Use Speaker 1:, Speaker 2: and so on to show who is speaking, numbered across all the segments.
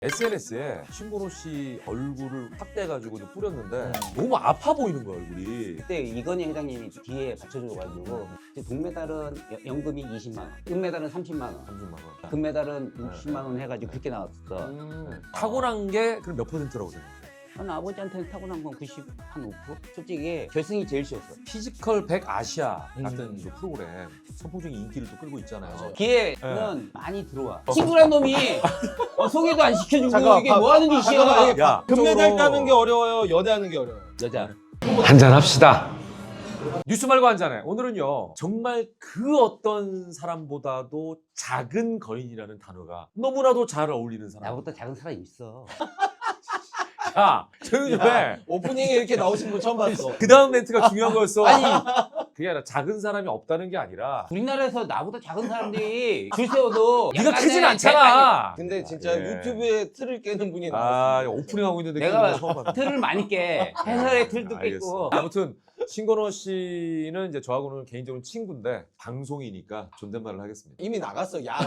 Speaker 1: SNS에 신건호 씨 얼굴을 확대해가지고 좀 뿌렸는데 너무 아파 보이는 거야 얼굴이.
Speaker 2: 그때 이건희 회장님이 뒤에 받쳐줘가지고 동메달은 연금이 20만 원, 은메달은 30만 원,
Speaker 1: 30만 원.
Speaker 2: 금메달은 60만 원 해가지고 그렇게 나왔어.
Speaker 1: 타고난 게 그럼 몇 %라고 생각해?
Speaker 2: 난 아버지한테는 타고난 건 90, 한 5%? 솔직히 결승이 제일 쉬웠어.
Speaker 1: 피지컬 100 아시아 같은 그 프로그램 선풍적인 인기를 또 끌고 있잖아요.
Speaker 2: 기회는 많이 들어와. 친구란 놈이 소개도 안 시켜주고
Speaker 3: 잠깐만,
Speaker 2: 이게 뭐 하는 짓이야.
Speaker 1: 야,
Speaker 3: 금메달 따는 게 어려워요? 연애하는 게 어려워요?
Speaker 2: 여자.
Speaker 1: 한잔 합시다. 뉴스 말고 한 잔해. 오늘은요 정말 그 어떤 사람보다도 작은 거인이라는 단어가 너무나도 잘 어울리는 사람.
Speaker 2: 나보다 작은 사람이 있어.
Speaker 1: 야, 조용히 좀 해.
Speaker 3: 오프닝에 이렇게 나오신 분 처음 봤어.
Speaker 1: 그 다음 멘트가 중요한 거였어.
Speaker 2: 아니
Speaker 1: 그게 아니라 작은 사람이 없다는 게 아니라
Speaker 2: 우리나라에서 나보다 작은 사람들이 줄 세워도
Speaker 1: 네가
Speaker 2: 약간의
Speaker 1: 크진 않잖아.
Speaker 3: 근데 진짜
Speaker 1: 예.
Speaker 3: 유튜브에 틀을 깨는 분이
Speaker 1: 아,
Speaker 3: 나왔어요.
Speaker 1: 오프닝 하고 있는데
Speaker 2: 내가
Speaker 1: 그거 처음 봤네.
Speaker 2: 틀을 많이 깨. 해설의 틀도
Speaker 1: 알겠어.
Speaker 2: 깼고.
Speaker 1: 아무튼 신건호 씨는 이제 저하고는 개인적으로 친구인데 방송이니까 존댓말을 하겠습니다.
Speaker 3: 이미 나갔어. 야,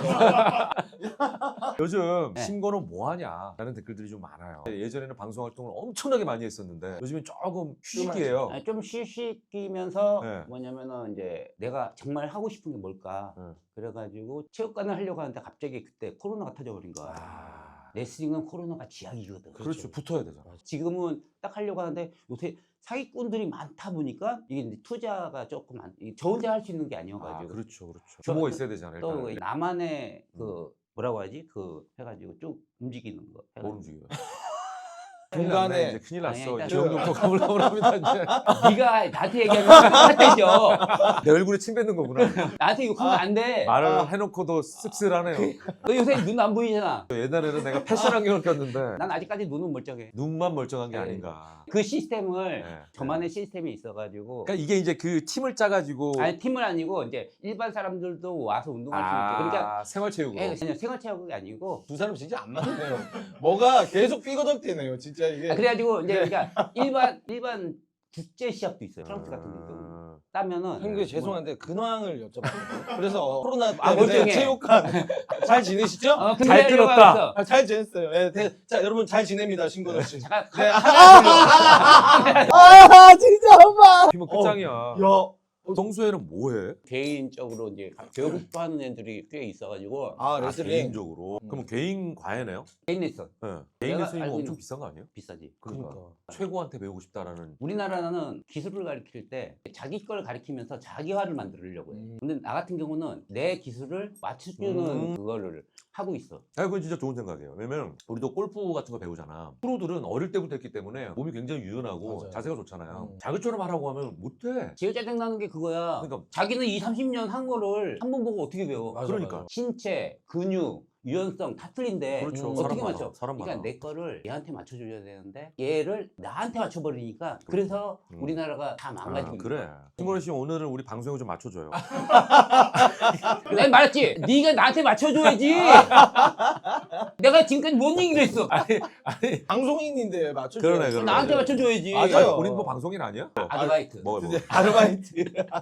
Speaker 1: 요즘
Speaker 2: 네.
Speaker 1: 신건호 뭐하냐라는 댓글들이 좀 많아요. 예전에는 방송 활동을 엄청나게 많이 했었는데 요즘엔 조금 휴식이에요.
Speaker 2: 좀 쉬쉬끼면서
Speaker 1: 네.
Speaker 2: 뭐냐면은 이제 내가 정말 하고 싶은 게 뭘까.
Speaker 1: 네.
Speaker 2: 그래가지고 체육관을 하려고 하는데 갑자기 그때 코로나가 터져버린 거야.
Speaker 1: 아,
Speaker 2: 레슬링은 코로나가 지약이거든.
Speaker 1: 그렇죠. 붙어야 되잖아.
Speaker 2: 지금은 딱 하려고 하는데 요새 사기꾼들이 많다 보니까 이게 이제 투자가 조금 저 혼자 할 수 있는 게
Speaker 1: 아,
Speaker 2: 아니어가지고
Speaker 1: 그렇죠, 그렇죠. 규모가 있어야 되잖아요.
Speaker 2: 또
Speaker 1: 일단은.
Speaker 2: 나만의 그 뭐라고 하지 그 해가지고 쭉 움직이는 거.
Speaker 1: 뭘 움직여요?
Speaker 3: 중간에
Speaker 1: 이제 큰일
Speaker 2: 아니,
Speaker 1: 났어.
Speaker 2: 일단
Speaker 1: 기억력도 가물가물합니다 이제.
Speaker 2: 네가 나한테 얘기하면 똑같아져.
Speaker 1: 내 얼굴에 침 뱉는 거구나.
Speaker 2: 나한테 욕하면 안 돼.
Speaker 1: 말을 해놓고도 씁쓸하네요.
Speaker 2: 너 요새 눈 안 보이잖아.
Speaker 1: 옛날에는 내가 패션 안경을 꼈는데
Speaker 2: 난 아직까지 눈은 멀쩡해.
Speaker 1: 눈만 멀쩡한 게
Speaker 2: 네.
Speaker 1: 아닌가.
Speaker 2: 그 시스템을
Speaker 1: 네.
Speaker 2: 저만의 시스템이 있어가지고
Speaker 1: 그러니까 이게 이제 그 팀을 짜가지고
Speaker 2: 아니 팀은 아니고 이제 일반 사람들도 와서 운동할 수 있게 그러니까
Speaker 1: 생활체육으로.
Speaker 2: 그냥 생활체육이 아니고
Speaker 3: 두 사람 진짜 안 맞네요. 뭐가 계속 삐거덕대네요. 진짜 이게.
Speaker 2: 그래가지고 이제 그러니까 일반 국제 시합도 있어요. 프랑스 같은 경우 따면은
Speaker 3: 형님 죄송한데 근황을 여쭤봐요. 그래서 코로나
Speaker 2: 아,
Speaker 3: 때문에
Speaker 2: 멀쩡해.
Speaker 3: 체육관 잘 지내시죠?
Speaker 2: 근데
Speaker 1: 잘
Speaker 2: 하려고
Speaker 1: 끊었다.
Speaker 2: 했어.
Speaker 3: 아, 잘 지냈어요. 예, 자 여러분 잘 지냅니다, 신건호 씨.
Speaker 2: 잠깐
Speaker 3: 네.
Speaker 2: 하나
Speaker 3: 진짜 엄마.
Speaker 1: 팀은 끝장이야.
Speaker 3: 야,
Speaker 1: 평소에는 뭐해?
Speaker 2: 개인적으로 이제 배우고 싶어하는 애들이 꽤 있어가지고
Speaker 3: 아
Speaker 1: 아,
Speaker 3: 레슬링.
Speaker 1: 개인적으로. 그럼 개인 과외네요?
Speaker 2: 개인 레슨
Speaker 1: 네. 개인
Speaker 2: 내가
Speaker 1: 레슨이면
Speaker 2: 알고
Speaker 1: 엄청
Speaker 2: 있는-
Speaker 1: 비싼 거 아니에요?
Speaker 2: 비싸지.
Speaker 3: 그러니까.
Speaker 1: 최고한테 배우고 싶다라는.
Speaker 2: 우리나라는 기술을 가르칠 때 자기 걸 가르치면서 자기화를 만들려고 해. 근데 나 같은 경우는 내 기술을 맞춰주는 그거를 하고 있어.
Speaker 1: 아, 그건 진짜 좋은 생각이에요. 왜냐면 우리도 골프 같은 거 배우잖아. 프로들은 어릴 때부터 했기 때문에 몸이 굉장히 유연하고
Speaker 3: 맞아요.
Speaker 1: 자세가 좋잖아요. 자기처럼 하라고 하면 못해.
Speaker 2: 제일 짜증나는 게 그거야.
Speaker 1: 그러니까
Speaker 2: 자기는 20, 30년 한 거를 한 번 보고 어떻게 배워?
Speaker 3: 맞아,
Speaker 1: 그러니까.
Speaker 3: 맞아.
Speaker 2: 신체, 근육, 유연성 다 틀린데
Speaker 1: 그렇죠.
Speaker 2: 어떻게
Speaker 1: 사람
Speaker 2: 맞춰?
Speaker 1: 많아, 사람
Speaker 2: 그러니까
Speaker 1: 많아.
Speaker 2: 내 거를 얘한테 맞춰줘야 되는데 얘를 나한테 맞춰버리니까 그래서
Speaker 1: 음.
Speaker 2: 우리나라가 다 망가지고 있는
Speaker 1: 그래. 신건호 씨 오늘은 우리 방송에 좀 맞춰줘요.
Speaker 2: 내가 말했지. 네가 나한테 맞춰줘야지. 내가 지금까지 뭔 얘기를 했어?
Speaker 1: 아니
Speaker 3: 방송인인데 맞춰.
Speaker 1: 그러네, 그러네.
Speaker 2: 나한테 맞춰줘야지.
Speaker 3: 맞아요.
Speaker 1: 우린 뭐 방송인 아니야?
Speaker 2: 아르바이트.
Speaker 1: 뭐.
Speaker 3: 아르바이트.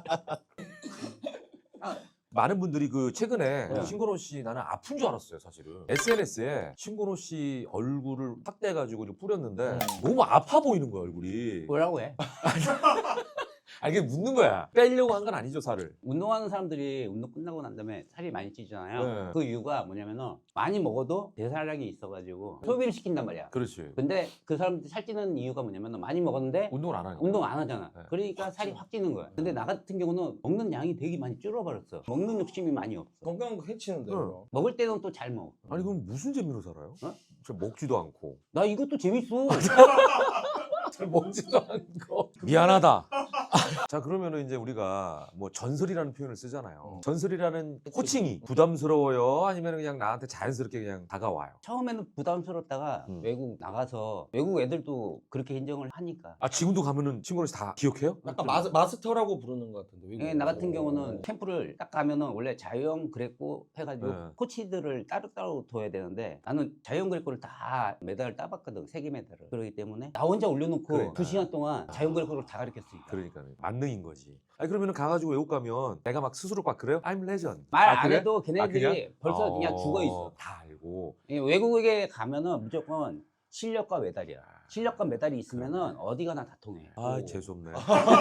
Speaker 1: 많은 분들이 그 최근에
Speaker 3: 네.
Speaker 1: 신건호 씨 나는 아픈 줄 알았어요 사실은. SNS에 신건호 씨 얼굴을 확대해가지고 좀 뿌렸는데 너무 아파 보이는 거야 얼굴이.
Speaker 2: 뭐라고 해?
Speaker 1: 아 이게 묻는 거야. 빼려고 한 건 아니죠 살을.
Speaker 2: 운동하는 사람들이 운동 끝나고 난 다음에 살이 많이 찌잖아요.
Speaker 1: 네.
Speaker 2: 그 이유가 뭐냐면은 많이 먹어도 대사량이 있어가지고 소비를 시킨단 말이야.
Speaker 1: 그렇지.
Speaker 2: 근데 그 사람들이 살찌는 이유가 뭐냐면 많이 먹었는데
Speaker 1: 운동을 안 하니까.
Speaker 2: 운동 안 하잖아.
Speaker 1: 네.
Speaker 2: 그러니까 살이 확 찌는 거야. 근데 나 같은 경우는 먹는 양이 되게 많이 줄어버렸어. 먹는 욕심이 많이 없어.
Speaker 3: 건강 해치는데.
Speaker 1: 응.
Speaker 2: 먹을 때는 또 잘 먹어.
Speaker 1: 아니 그럼 무슨 재미로 살아요?
Speaker 2: 어?
Speaker 1: 저 먹지도 않고.
Speaker 2: 나 이것도 재밌어.
Speaker 1: 잘 먹지도 않고. 미안하다. 자 그러면은 이제 우리가 뭐 전설이라는 표현을 쓰잖아요. 전설이라는 호칭이 부담스러워요? 아니면 그냥 나한테 자연스럽게 그냥 다가와요?
Speaker 2: 처음에는 부담스럽다가 외국 나가서 외국 애들도 그렇게 인정을 하니까.
Speaker 1: 아 지금도 가면은 친구를 다 기억해요?
Speaker 3: 약간 마스터라고 부르는 것 같은데. 외국은.
Speaker 2: 예, 나 같은 경우는 캠프를 딱 가면은 원래 자유형 그랬고 해가지고
Speaker 1: 네.
Speaker 2: 코치들을 따로따로 둬야 되는데 나는 자유형 그랬고를 다 메달을 따봤거든. 세계 메달을. 그렇기 때문에 나 혼자 올려놓고
Speaker 1: 그러니까.
Speaker 2: 2시간 동안 자유형 그랬고를 다 가르쳤으니까.
Speaker 1: 그러니까 만능인 거지. 아니 그러면은 가가지고 외국 가면 내가 막 스스로 막 그래요? I'm legend.
Speaker 2: 말
Speaker 1: 아,
Speaker 2: 안
Speaker 1: 그래?
Speaker 2: 해도
Speaker 1: 아,
Speaker 2: 걔네들이
Speaker 1: 그냥?
Speaker 2: 벌써 그냥 죽어 있어.
Speaker 1: 다 알고. 되고.
Speaker 2: 이 외국에 가면은 무조건 실력과 메달이야. 실력과 메달이 있으면은 어디 가나 다 통해.
Speaker 1: 아 재수없네.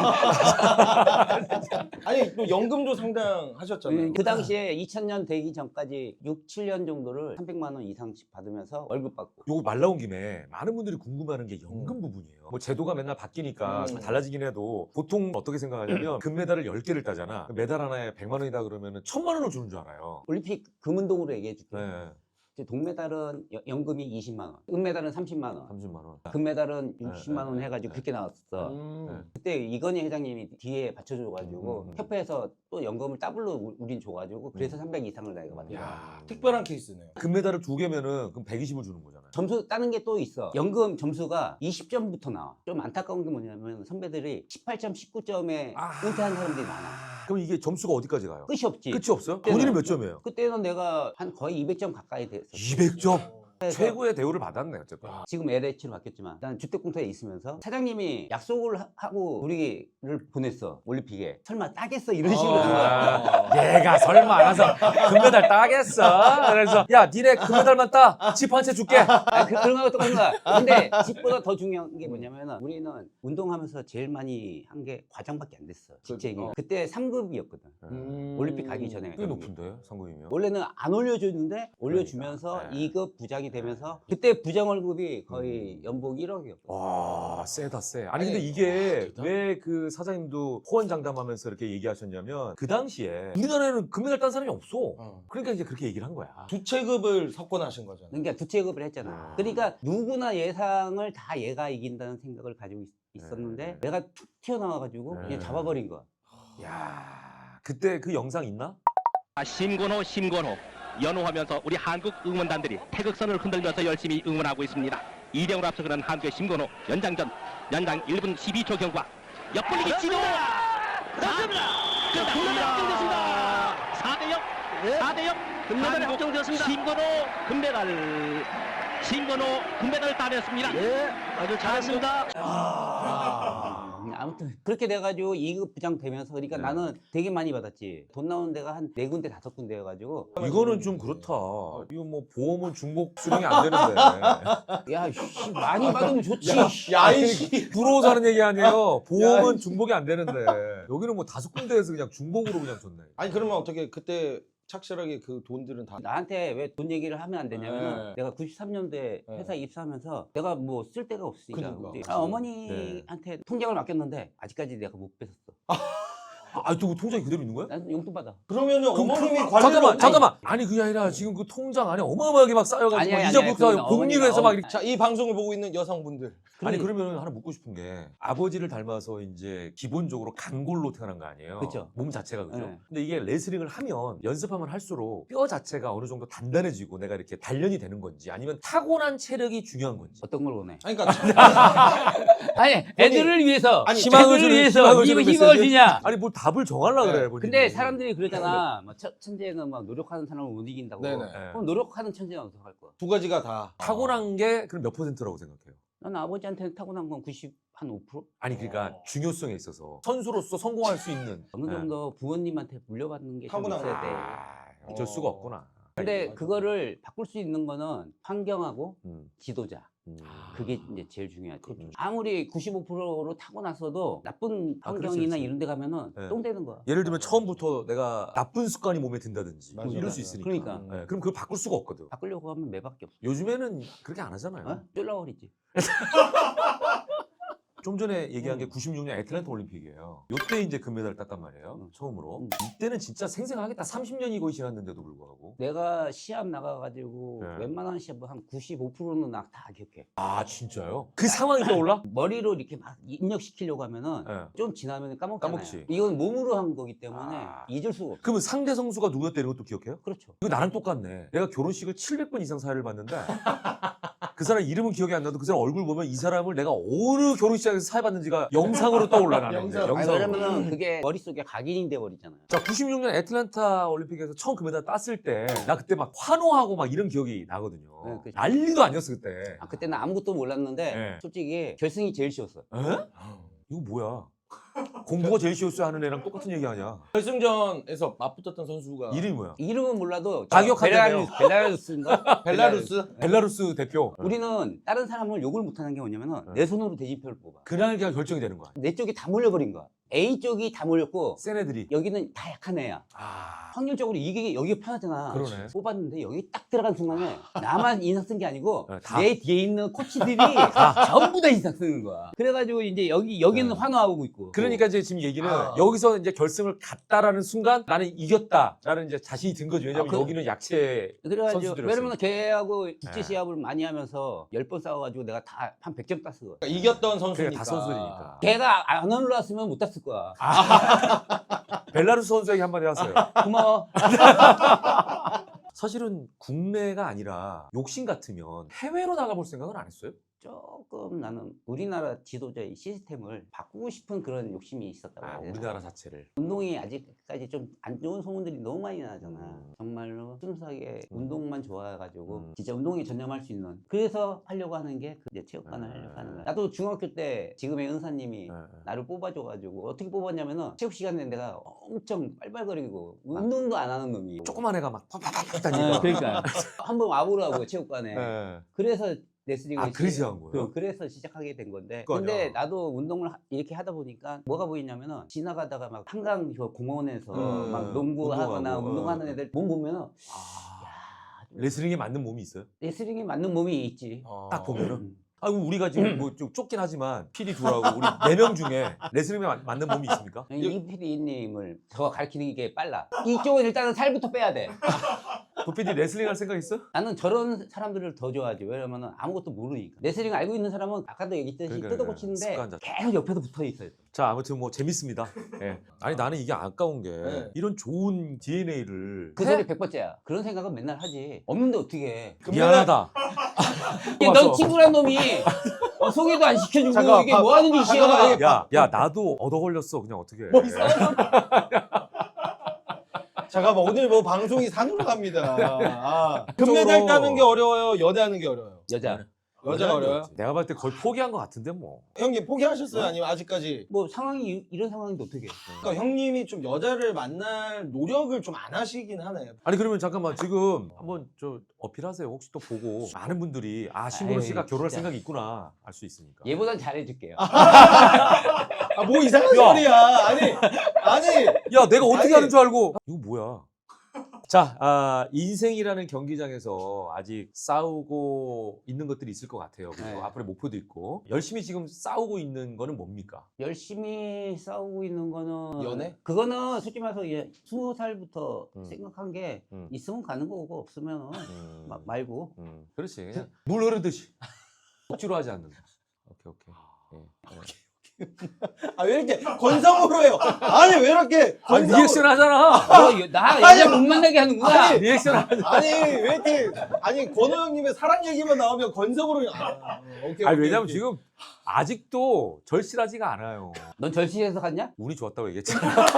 Speaker 3: 아니 또 연금도 상당하셨잖아요.
Speaker 2: 그 당시에 2000년 되기 전까지 6, 7년 정도를 300만 원 이상씩 받으면서 월급 받고.
Speaker 1: 요거 말 나온 김에 많은 분들이 궁금해하는 게 연금 부분이에요. 뭐 제도가 맨날 바뀌니까 달라지긴 해도 보통 어떻게 생각하냐면 금메달을 10개를 따잖아. 메달 하나에 100만 원이다 그러면은 1000만 원을 주는 줄 알아요.
Speaker 2: 올림픽 금운동으로 얘기해 줄게.
Speaker 1: 네.
Speaker 2: 동메달은 연금이 20만 원, 은메달은 30만 원,
Speaker 1: 30만 원.
Speaker 2: 금메달은 60만 원 해가지고 그렇게 나왔어. 그때 이건희 회장님이 뒤에 받쳐줘가지고 협회에서 또 연금을 더블로 우린 줘가지고 그래서 300 이상을 내가 받은 거야.
Speaker 3: 야, 특별한 케이스네요.
Speaker 1: 금메달을 2개면은 그럼 120을 주는 거잖아요.
Speaker 2: 점수 따는 게 또 있어. 연금 점수가 20점부터 나와. 좀 안타까운 게 뭐냐면 선배들이 18점, 19점에 은퇴한 사람들이 많아.
Speaker 1: 그럼 이게 점수가 어디까지 가요?
Speaker 2: 끝이 없지.
Speaker 1: 끝이 없어요?
Speaker 2: 그때는
Speaker 1: 본인은 몇 점이에요?
Speaker 2: 그때는 내가 한 거의 200점 가까이 됐어.
Speaker 1: 200점? 최고의 대우를 받았네 어쨌든.
Speaker 2: 지금 LH로 바뀌었지만 난 주택공사에 있으면서 사장님이 약속을 하고 우리를 보냈어. 올림픽에. 설마 따겠어? 이런 식으로 한 거야.
Speaker 1: 얘가 설마 알아서 금메달 따겠어? 그래서 야 니네 금메달만 따! 집 한 채 줄게!
Speaker 2: 그런 거하고 똑같은 거야. 근데 집보다 더 중요한 게 뭐냐면 우리는 운동하면서 제일 많이 한 게 과장밖에 안 됐어. 직책이. 그때 3급이었거든. 올림픽 가기 전에.
Speaker 1: 꽤 높은데 상금이면?
Speaker 2: 원래는 안 올려줬는데 올려주면서
Speaker 1: 그러니까.
Speaker 2: 2급 부장이 되면서 그때 부장 월급이 거의 연봉 1억이었거든.
Speaker 1: 와 세다 세. 아니 근데 이게 왜 그 사장님도 호언장담하면서 이렇게 얘기하셨냐면 그 당시에 우리나라에는 금메달 딴 사람이 없어. 그러니까 이제 그렇게 얘기를 한 거야.
Speaker 3: 두 체급을 석권하신 거잖아요.
Speaker 2: 그러니까 두 체급을 했잖아. 그러니까 누구나 예상을 다 얘가 이긴다는 생각을 가지고 있었는데 내가 툭 튀어나와가지고 그냥 잡아버린 거야.
Speaker 1: 야 그때 그 영상 있나?
Speaker 4: 심건호 연호하면서 우리 한국 응원단들이 태극선을 흔들면서 열심히 응원하고 있습니다. 2대0으로 앞서가는 한국의 심건호 연장 1분 12초 경과 옆돌리기 진호 금메달 확정됐습니다. 4대0 금메달이 확정되었습니다. 심건호 금메달을 따냈습니다. 네, 아주 잘했습니다.
Speaker 2: 아무튼 그렇게 돼가지고 2급 부장 되면서 그러니까 나는 되게 많이 받았지. 돈 나오는 데가 한 4군데 5군데여가지고
Speaker 1: 이거는 좀 그렇다. 이거 뭐 보험은 중복 수령이 안 되는데.
Speaker 2: 야 씨, 많이 받으면 좋지.
Speaker 3: 야이씨.
Speaker 1: 부러워서 하는 얘기 아니에요. 보험은 중복이 안 되는데 여기는 뭐 5군데에서 그냥 중복으로 그냥 줬네.
Speaker 3: 아니 그러면 어떻게 그때 착실하게 그 돈들은 다
Speaker 2: 나한테 왜 돈 얘기를 하면 안 되냐면 내가 93년도에 회사에 입사하면서 내가 뭐 쓸 데가 없으니까
Speaker 3: 그러니까.
Speaker 2: 어머니한테 통장을 맡겼는데 아직까지 내가 못 뺏었어.
Speaker 1: 또 통장이 그대로 있는 거야?
Speaker 2: 난 용돈 받아.
Speaker 3: 그러면은 어머님이
Speaker 1: 잠깐만. 아니 그게 아니라 지금 그 통장 안에 어마어마하게 막 쌓여가지고
Speaker 2: 아니야,
Speaker 1: 이자부터
Speaker 2: 아니야.
Speaker 1: 복리로 해서 막 이렇게.
Speaker 3: 자, 이 방송을 보고 있는 여성분들
Speaker 1: 아니 그러면 하나 묻고 싶은 게 아버지를 닮아서 이제 기본적으로 간골로 태어난 거 아니에요?
Speaker 2: 그쵸.
Speaker 1: 몸 자체가 그죠?
Speaker 2: 네.
Speaker 1: 근데 이게 레슬링을 하면 연습하면 할수록 뼈 자체가 어느 정도 단단해지고 내가 이렇게 단련이 되는 건지 아니면 타고난 체력이 중요한 건지.
Speaker 2: 어떤 걸 원해?
Speaker 3: 아니 그러니까
Speaker 2: 아니 애들을 위해서
Speaker 3: 아니,
Speaker 1: 희망을
Speaker 2: 애들을
Speaker 1: 주는-
Speaker 2: 위해서
Speaker 1: 희망을
Speaker 2: 이거
Speaker 1: 주는
Speaker 2: 희망을
Speaker 1: 메시지?
Speaker 2: 주냐?
Speaker 1: 아니 뭘 답을 정하려고
Speaker 3: 네.
Speaker 1: 그래 본인이.
Speaker 2: 근데 사람들이 그러잖아. 뭐 천재는 막 노력하는 사람을 못 이긴다고.
Speaker 3: 네네.
Speaker 2: 그럼 노력하는 천재는 어떻게 할 거야?
Speaker 3: 두 가지가 다
Speaker 1: 타고난 게 그럼 몇 퍼센트라고 생각해요?
Speaker 2: 난 아버지한테 타고난 건 95%?
Speaker 1: 아니 그러니까 중요성에 있어서 선수로서 성공할 수 있는
Speaker 2: 어느 정도 부모님한테 물려받는 게 좀
Speaker 3: 타고난
Speaker 2: 있어야 돼.
Speaker 1: 어쩔 수가 없구나.
Speaker 2: 근데
Speaker 3: 맞아.
Speaker 2: 그거를 바꿀 수 있는 거는 환경하고
Speaker 1: 음.
Speaker 2: 지도자. 그게 이제 제일 중요하지.
Speaker 1: 그렇죠.
Speaker 2: 아무리 95%로 타고났어도 나쁜 환경이나
Speaker 1: 그렇지.
Speaker 2: 이런 데 가면은
Speaker 1: 네.
Speaker 2: 똥 되는 거야.
Speaker 1: 예를 들면 처음부터 내가 나쁜 습관이 몸에 든다든지
Speaker 3: 맞아,
Speaker 1: 이럴
Speaker 3: 맞아.
Speaker 1: 수 있으니까.
Speaker 2: 그러니까.
Speaker 1: 네, 그럼 그걸 바꿀 수가 없거든.
Speaker 2: 바꾸려고 하면 매밖에 없어.
Speaker 1: 요즘에는 그렇게 안 하잖아요.
Speaker 2: 어? 쫄라버리지.
Speaker 1: 좀 전에 얘기한 게 96년 애틀랜타 올림픽이에요. 요때 이제 금메달을 땄단 말이에요. 처음으로. 이때는 진짜 생생하겠다. 30년이 거의 지났는데도 불구하고.
Speaker 2: 내가 시합 나가가지고
Speaker 1: 네.
Speaker 2: 웬만한 시합 한 95%는 나 다 기억해.
Speaker 1: 아 진짜요? 그 상황이 떠올라?
Speaker 2: 머리로 이렇게 막 입력시키려고 하면은
Speaker 1: 네.
Speaker 2: 좀 지나면 까먹잖아요.
Speaker 1: 까먹지.
Speaker 2: 이건 몸으로 한 거기 때문에
Speaker 1: 아.
Speaker 2: 잊을 수가 없어.
Speaker 1: 그러면 상대 선수가 누구였다 이런 것도 기억해요?
Speaker 2: 그렇죠.
Speaker 1: 이거 나랑 똑같네. 내가 결혼식을 700번 이상 사회를 봤는데 그 사람 이름은 기억이 안 나도 그 사람 얼굴 보면 이 사람을 내가 어느 결혼식장에서 사회봤는지가 영상으로 떠올라 나는.
Speaker 3: 영상.
Speaker 2: 아니,
Speaker 1: 영상으로.
Speaker 2: 왜냐면은 그게 머릿속에 각인이 돼 버리잖아요.
Speaker 1: 자, 96년 애틀랜타 올림픽에서 처음 금메달 땄을 때 나 그때 막 환호하고 막 이런 기억이 나거든요.
Speaker 2: 네, 그치.
Speaker 1: 난리도 아니었어 그때.
Speaker 2: 그때는 아무것도 몰랐는데
Speaker 1: 네.
Speaker 2: 솔직히 결승이 제일 쉬웠어.
Speaker 1: 에? 이거 뭐야? 공부가 제일 쉬웠어 하는 애랑 똑같은 얘기 아니야.
Speaker 3: 결승전에서 맞붙었던 선수가
Speaker 1: 이름이 뭐야?
Speaker 2: 이름은 몰라도
Speaker 1: 가격하겠네요.
Speaker 2: 벨라루스인가?
Speaker 3: 벨라루스?
Speaker 1: 벨라루스 대표.
Speaker 2: 우리는 다른 사람을 욕을 못하는 게 뭐냐면은 내 손으로 대진표를 뽑아.
Speaker 1: 그날 그냥 결정이 되는 거야.
Speaker 2: 내 쪽이 다 몰려버린 거야. A 쪽이 다 몰렸고
Speaker 1: 센 애들이.
Speaker 2: 여기는 다 약한 애야.
Speaker 1: 아,
Speaker 2: 확률적으로 이게 여기가 편하잖아.
Speaker 1: 그러네.
Speaker 2: 뽑았는데 여기 딱 들어간 순간에 나만 인상 쓴 게 아니고
Speaker 1: 네, 다.
Speaker 2: 내 뒤에 있는 코치들이 전부 다 인상 쓰는 거야. 그래가지고 이제 여기는
Speaker 1: 네.
Speaker 2: 환호하고 있고.
Speaker 1: 그러니까 이제 지금 얘기는
Speaker 3: 아.
Speaker 1: 여기서 이제 결승을 갔다라는 순간 나는 이겼다라는 이제 자신이 든 거죠. 왜냐면
Speaker 2: 아,
Speaker 1: 여기는 약체
Speaker 2: 그래가지고
Speaker 1: 선수들이었어요.
Speaker 2: 왜냐면 걔하고 국제
Speaker 1: 네.
Speaker 2: 시합을 많이 하면서 10번 싸워가지고 내가 다 한 100점 땄어.
Speaker 3: 그러니까 이겼던 선수니까.
Speaker 1: 그러니까 다 선수니까.
Speaker 2: 걔가 안 올라왔으면 못 땄을 거야.
Speaker 1: 벨라루스 선수에게 한마디 하세요.
Speaker 2: 고마워.
Speaker 1: 사실은 국내가 아니라 욕심 같으면 해외로 나가볼 생각은 안 했어요?
Speaker 2: 조금 나는 우리나라 지도자의 시스템을 바꾸고 싶은 그런 욕심이 있었다고 해야 되나?
Speaker 1: 우리나라 자체를.
Speaker 2: 운동이 아직까지 좀 안 좋은 소문들이 너무 많이 나잖아. 정말로 순수하게 운동만 좋아해가지고 진짜 운동에 전념할 수 있는. 그래서 하려고 하는 게 이제 체육관을 하려고 하는 거야. 나도 중학교 때 지금의 은사님이 나를 뽑아줘가지고 어떻게 뽑았냐면은 체육 시간에 내가 엄청 빨빨거리고 운동도 안 하는 놈이.
Speaker 1: 조그만 애가 막 팍팍팍
Speaker 2: 아,
Speaker 1: 다니까.
Speaker 2: 그러니까 한번 와보라고 체육관에.
Speaker 1: 네.
Speaker 2: 그래서 레슬링을
Speaker 1: 그래서 한 거예요?
Speaker 2: 그래서 시작하게 된 건데.
Speaker 1: 그거
Speaker 2: 근데
Speaker 1: 아니야.
Speaker 2: 나도 운동을 이렇게 하다 보니까 뭐가 보이냐면은 지나가다가 막 한강 저 공원에서 막 농구하거나
Speaker 1: 운동하고,
Speaker 2: 운동하는 애들 몸 보면은
Speaker 1: 레슬링에 맞는 몸이 있어요?
Speaker 2: 레슬링에 맞는 몸이 있지.
Speaker 1: 딱 보면은.
Speaker 2: 음.
Speaker 1: 우리가 지금 뭐 좀 좁긴 하지만 PD 둘하고 우리 4명 중에 레슬링에 맞는 몸이 있습니까?
Speaker 2: 이 PD님을 더 가르치는 게 빨라. 이쪽은 일단은 살부터 빼야 돼.
Speaker 1: 그 PD 레슬링 할 생각 있어?
Speaker 2: 나는 저런 사람들을 더 좋아하지. 왜냐면은 아무것도 모르니까. 레슬링 알고 있는 사람은 아까도 얘기했듯이
Speaker 1: 그러니까,
Speaker 2: 뜯어고치는데
Speaker 1: 습관자.
Speaker 2: 계속 옆에서 붙어 있어요.
Speaker 1: 자, 아무튼 뭐 재밌습니다. 예. 아니 나는 이게 아까운 게
Speaker 3: 네.
Speaker 1: 이런 좋은 DNA를
Speaker 2: 그 소리 100번째야. 그런 생각은 맨날 하지. 없는데 어떻게 해.
Speaker 1: 미안하다.
Speaker 2: 넌 친구란 놈이 소개도 안 시켜주고
Speaker 3: 잠깐만,
Speaker 2: 이게 뭐 하는 짓이야.
Speaker 3: 잠깐만.
Speaker 1: 야 나도 얻어 걸렸어. 그냥 어떻게 해.
Speaker 3: 뭐 이상한 잠깐만 오늘 뭐 방송이 산으로 갑니다. 금메달 따는 게 어려워요? 연애하는 게 어려워요?
Speaker 2: 여자.
Speaker 3: 여자가 어려워요?
Speaker 1: 내가 봤을 때 거의 포기한 것 같은데 뭐.
Speaker 3: 형님 포기하셨어요? 아니면 아직까지?
Speaker 2: 뭐 상황이 이런 상황인데 어떻게 해.
Speaker 3: 그러니까 형님이 좀 여자를 만날 노력을 좀 안 하시긴 하네요.
Speaker 1: 아니 그러면 잠깐만 지금 한번 저 어필하세요. 혹시 또 보고 많은 분들이 신고로
Speaker 2: 아이,
Speaker 1: 씨가 결혼할
Speaker 2: 진짜.
Speaker 1: 생각이 있구나 알 수 있으니까.
Speaker 2: 얘보단 잘해줄게요.
Speaker 3: 뭐 이상한
Speaker 1: 야.
Speaker 3: 소리야. 아니.
Speaker 1: 야 내가 어떻게
Speaker 3: 아니.
Speaker 1: 하는 줄 알고 이거 뭐야. 자, 인생이라는 경기장에서 아직 싸우고 있는 것들이 있을 것 같아요. 그리고
Speaker 2: 네.
Speaker 1: 앞으로 목표도 있고 열심히 지금 싸우고 있는 거는 뭡니까?
Speaker 2: 열심히 싸우고 있는 거는
Speaker 3: 연애?
Speaker 2: 그거는 솔직히 말해서 20살부터
Speaker 1: 음.
Speaker 2: 생각한 게
Speaker 1: 음.
Speaker 2: 있으면 가는 거고 없으면 말고.
Speaker 1: 그렇지. 그냥 물 흐르듯이 억지로 하지 않는다. 오케이. 예.
Speaker 3: 왜 이렇게 건성으로 해요? 아니 왜 이렇게
Speaker 1: 리액션 하잖아.
Speaker 2: 나
Speaker 3: 아니,
Speaker 2: 여자 못 만나게 하는구나.
Speaker 3: 아니,
Speaker 1: 리액션 하잖아.
Speaker 3: 아니 왜 이렇게 권호 형님의 사랑 얘기만 나오면 건성으로 오케이.
Speaker 1: 왜냐면 지금 아직도 절실하지가 않아요.
Speaker 2: 넌 절실해서 갔냐?
Speaker 1: 운이 좋았다고 얘기했지.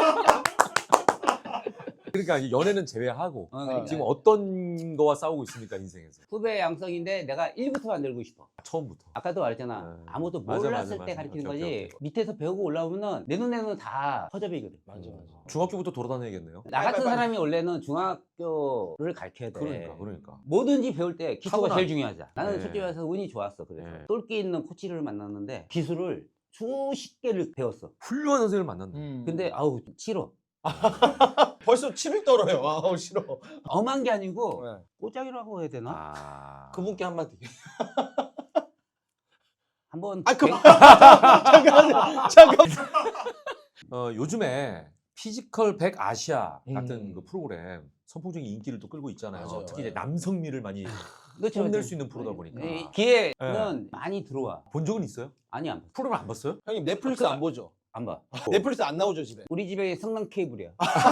Speaker 1: 그러니까 이 연애는 제외하고
Speaker 2: 그러니까.
Speaker 1: 지금 어떤 거와 싸우고 있습니까 인생에서?
Speaker 2: 후배 양성인데 내가 1부터 만들고 싶어.
Speaker 1: 처음부터.
Speaker 2: 아까도 말했잖아.
Speaker 1: 네.
Speaker 2: 아무도
Speaker 1: 맞아,
Speaker 2: 몰랐을
Speaker 1: 맞아,
Speaker 2: 때
Speaker 1: 맞아.
Speaker 2: 가르치는
Speaker 1: 오케이,
Speaker 2: 거지.
Speaker 1: 오케이, 오케이.
Speaker 2: 밑에서 배우고 올라오면은 내 눈에는 다 허접이거든.
Speaker 3: 맞아.
Speaker 1: 중학교부터 돌아다녀야겠네요.
Speaker 2: 나 같은
Speaker 3: 빨리.
Speaker 2: 사람이 원래는 중학교를 가르쳐야 돼.
Speaker 1: 그러니까.
Speaker 2: 뭐든지 배울 때 기초가
Speaker 1: 타고나.
Speaker 2: 제일 중요하잖아. 나는
Speaker 1: 네.
Speaker 2: 솔직히 말해서 운이 좋았어. 그래서
Speaker 1: 네.
Speaker 2: 똘끼 있는 코치를 만났는데 기술을 수십 개를 배웠어.
Speaker 1: 훌륭한 선생님을 만난다.
Speaker 2: 근데 아우 싫어.
Speaker 3: 벌써 침이 떨어요. 아우 싫어.
Speaker 2: 엄한 게 아니고
Speaker 3: 네.
Speaker 2: 꼬장이라고 해야 되나?
Speaker 3: 그분께 한마디.
Speaker 2: 한번
Speaker 3: 잠깐.
Speaker 1: 요즘에 피지컬 100 아시아 같은
Speaker 3: 음.
Speaker 1: 그 프로그램 선풍적인 인기를 또 끌고 있잖아요.
Speaker 3: 맞아요,
Speaker 1: 특히 이제
Speaker 3: 맞아요.
Speaker 1: 남성미를 많이
Speaker 2: 그렇죠,
Speaker 1: 뽐낼
Speaker 2: 그렇죠.
Speaker 1: 수 있는 프로다 보니까.
Speaker 2: 이 기회는 많이 들어와.
Speaker 1: 본 적은 있어요?
Speaker 2: 아니 안 봐.
Speaker 1: 프로그램 안 봤어요?
Speaker 3: 형님 넷플릭스 안 보죠?
Speaker 2: 안 봐.
Speaker 3: 넷플릭스 안 나오죠 집에?
Speaker 2: 우리 집에 성남 케이블이야.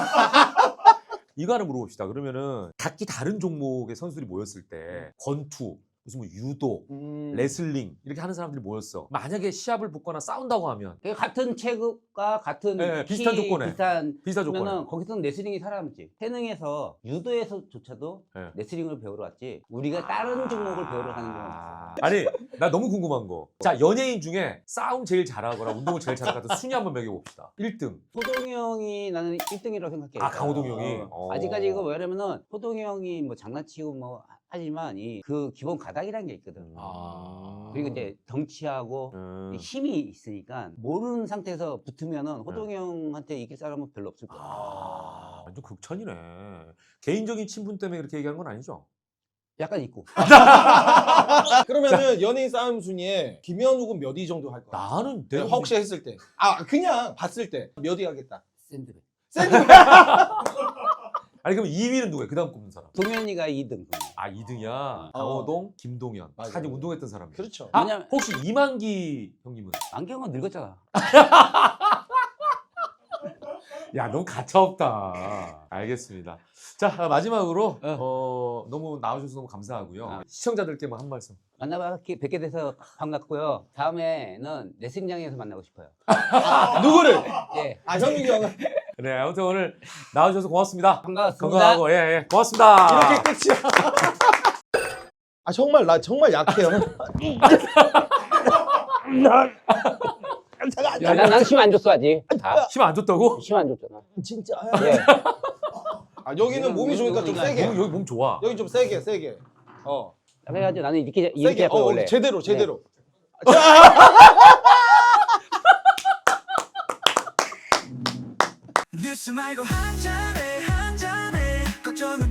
Speaker 1: 이거 하나 물어봅시다. 그러면은 각기 다른 종목의 선수들이 모였을 때 권투, 무슨 뭐 유도, 레슬링 이렇게 하는 사람들이 모였어. 만약에 시합을 붙거나 싸운다고 하면
Speaker 2: 그러니까 같은 체급과 같은
Speaker 1: 네,
Speaker 2: 키,
Speaker 1: 비슷한 조건에. 비슷한 조건에.
Speaker 2: 그러면은 거기서는 레슬링이 살아남지. 태능에서 유도에서조차도
Speaker 1: 네.
Speaker 2: 레슬링을 배우러 왔지. 우리가 다른 종목을 배우러 가는 건 없어.
Speaker 1: 아니 나 너무 궁금한 거. 자, 연예인 중에 싸움 제일 잘하거나 운동을 제일 잘하는 것 순위 한번 매겨봅시다. 1등.
Speaker 2: 호동이 형이 나는 1등이라고 생각해.
Speaker 1: 아, 강호동 형이.
Speaker 2: 아직까지 이거 왜냐면은 호동이 형이 뭐 장난치고 뭐 하지만 그 기본 가닥이라는 게 있거든. 그리고 이제 덩치하고 힘이 있으니까 모르는 상태에서 붙으면은 호동이 형한테 이길 사람은 별로 없을 거야.
Speaker 1: 완전 극찬이네. 개인적인 친분 때문에 그렇게 얘기한 건 아니죠?
Speaker 2: 약간 있고.
Speaker 3: 그러면은 연예인 싸움 순위에 김현욱은 몇 위 정도 할 거야?
Speaker 1: 나는
Speaker 3: 내가
Speaker 1: 내가
Speaker 3: 혹시 했을 때. 아 그냥 봤을 때 몇 위 하겠다.
Speaker 2: 샌드백.
Speaker 1: 아니 그럼 2위는 누구야? 그 다음 꼽는 사람.
Speaker 2: 동현이가 2등.
Speaker 1: 아 2등이야. 강호동, 김동현.
Speaker 3: 맞아.
Speaker 1: 사실 운동했던 사람이.
Speaker 3: 그렇죠.
Speaker 1: 아
Speaker 2: 왜냐면-
Speaker 1: 혹시 이만기 형님은?
Speaker 2: 안경은 늙었잖아.
Speaker 1: 야 너무 가차없다. 알겠습니다. 자 마지막으로 너무 나와주셔서 너무 감사하고요. 시청자들께 뭐 한 말씀.
Speaker 2: 뵙게 돼서 반갑고요. 다음에는 레슬링장에서 만나고 싶어요.
Speaker 3: 누구를?
Speaker 2: 예.
Speaker 3: 아 현욱이 형은
Speaker 1: 네 아무튼 오늘 나와주셔서 고맙습니다.
Speaker 2: 반갑습니다.
Speaker 1: 건강하고 예 고맙습니다.
Speaker 3: 이렇게 끝이야. 아 정말 나 정말 약해요.
Speaker 2: 야, 난 힘 안 줬어 아직.
Speaker 1: 힘 안 줬다고?
Speaker 2: 힘 안 줬잖아.
Speaker 3: 진짜.
Speaker 2: 예.
Speaker 3: 아 여기는 몸이 좋으니까 좀 세게.
Speaker 1: 여기 몸 좋아.
Speaker 3: 여기 좀 세게.
Speaker 2: 그래가지고 나는 이렇게
Speaker 3: 세게.
Speaker 2: 하고 원래.
Speaker 3: 제대로.
Speaker 5: 뉴스 말고 한 잔에 걱정은